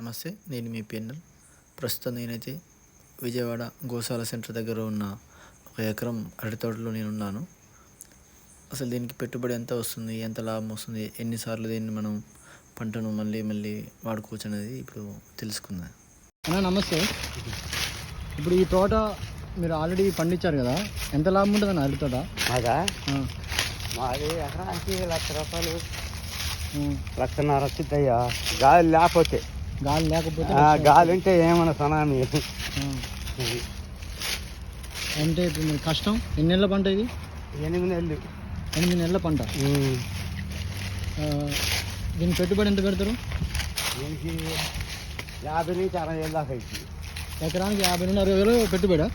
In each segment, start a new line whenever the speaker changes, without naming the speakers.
నమస్తే, నేను మీ పిఎన్ఎల్. ప్రస్తుతం నేనైతే విజయవాడ గోశాల సెంటర్ దగ్గర ఉన్న ఒక ఎకరం అరటి తోటలో నేనున్నాను. అసలు దీనికి పెట్టుబడి ఎంత వస్తుంది, ఎంత లాభం వస్తుంది, ఎన్నిసార్లు దీన్ని మనం పంటను మళ్ళీ మళ్ళీ వాడుకోవచ్చు అనేది ఇప్పుడు తెలుసుకుందాం.
నమస్తే. ఇప్పుడు ఈ తోట మీరు ఆల్రెడీ పండించారు కదా, ఎంత లాభం ఉంటుంది అన్న అరటి తోట?
మాది ఎకరానికి ₹1,00,000, 1,50,000 వచ్చిద్దయ్యా. గాలి లేకపోతే గాలి ఉంటే ఏమన్నా సునామీ.
అంటే ఇప్పుడు మరి కష్టం. ఎన్ని నెలల పంట ఇది?
8 నెలలు.
8 నెలల పంట. దీనికి పెట్టుబడి ఎంత పెడతారు?
దీనికి 50 నుంచి 60 వేలు దాకా అయింది.
ఎకరానికి 50 నుండి 60 వేలు పెట్టుబడా?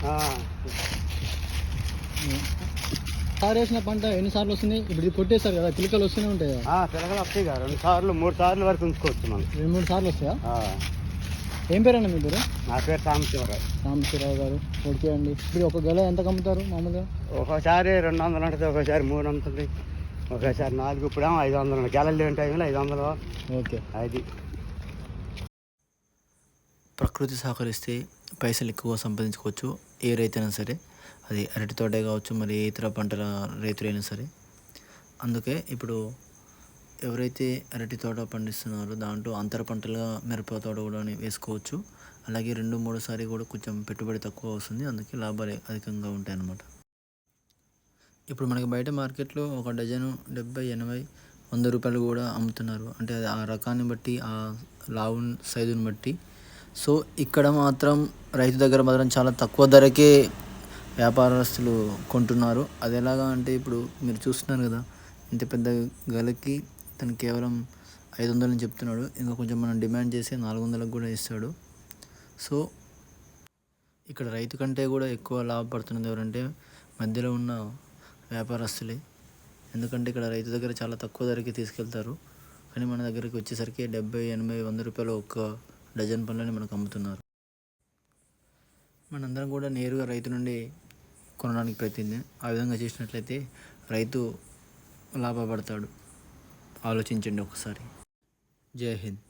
సార్ వేసిన పంట ఎన్నిసార్లు వస్తుంది? ఇప్పుడు ఇది కొట్టేస్తారు కదా, పిలకలు వస్తూనే ఉంటాయి.
పిలకలు వస్తాయి కదా, 2 సార్లు 3 సార్లు వరకు ఉంచుకోవచ్చు మనం.
2-3 సార్లు వస్తాయా? ఏం పేరు అన్న మీ పేరు?
నా పేరు
సాంబశివరావు గారు. ఓకే అండి. ఇప్పుడు ఒక గెల ఎంత కమ్ముతారు మామూలుగా?
ఒకసారి 200 ఉంటుంది, ఒకసారి 300 ఉంటుంది, ఒకసారి 4. ఇప్పుడేమో 500. గెలలు లేని టైంలో 500.
ఓకే.
అది
ప్రకృతి సహకరిస్తే పైసలు ఎక్కువ సంపాదించుకోవచ్చు. ఏ రైతైనా సరే, అది అరటి తోటే కావచ్చు, మరి ఏ ఇతర పంటల రైతులైనా సరే. అందుకే ఇప్పుడు ఎవరైతే అరటి తోట పండిస్తున్నారో దాంట్లో అంతర పంటలుగా మిరప తోట కూడా వేసుకోవచ్చు. అలాగే 2-3 సారి కూడా కొంచెం పెట్టుబడి తక్కువ వస్తుంది, అందుకే లాభాలు అధికంగా ఉంటాయి అన్నమాట. ఇప్పుడు మనకి బయట మార్కెట్లో ఒక డజను 70, 80, 100 రూపాయలు కూడా అమ్ముతున్నారు. అంటే అది ఆ రకాన్ని బట్టి, ఆ లావు సైజుని బట్టి. సో ఇక్కడ మాత్రం రైతు దగ్గర మాత్రం చాలా తక్కువ ధరకే వ్యాపారస్తులు కొంటున్నారు. అది ఎలాగా అంటే ఇప్పుడు మీరు చూస్తున్నారు కదా, ఇంత పెద్ద గలకి తను కేవలం 500 అని చెప్తున్నాడు. ఇంకా కొంచెం మనం డిమాండ్ చేసి 400కు కూడా ఇస్తాడు. సో ఇక్కడ రైతు కంటే కూడా ఎక్కువ లాభపడుతున్నది ఎవరంటే మధ్యలో ఉన్న వ్యాపారస్తులే. ఎందుకంటే ఇక్కడ రైతు దగ్గర చాలా తక్కువ ధరకి తీసుకెళ్తారు, కానీ మన దగ్గరికి వచ్చేసరికి 70, 80, 100 రూపాయలు ఒక్క డజన్ పండ్లని మనకు అమ్ముతున్నారు. మనందరం కూడా నేరుగా రైతు నుండి కొనడానికి ప్రయత్నిద్దాం. ఆ విధంగా చేసినట్లయితే రైతు లాభపడతాడు. ఆలోచించండి ఒకసారి. జై హింద్.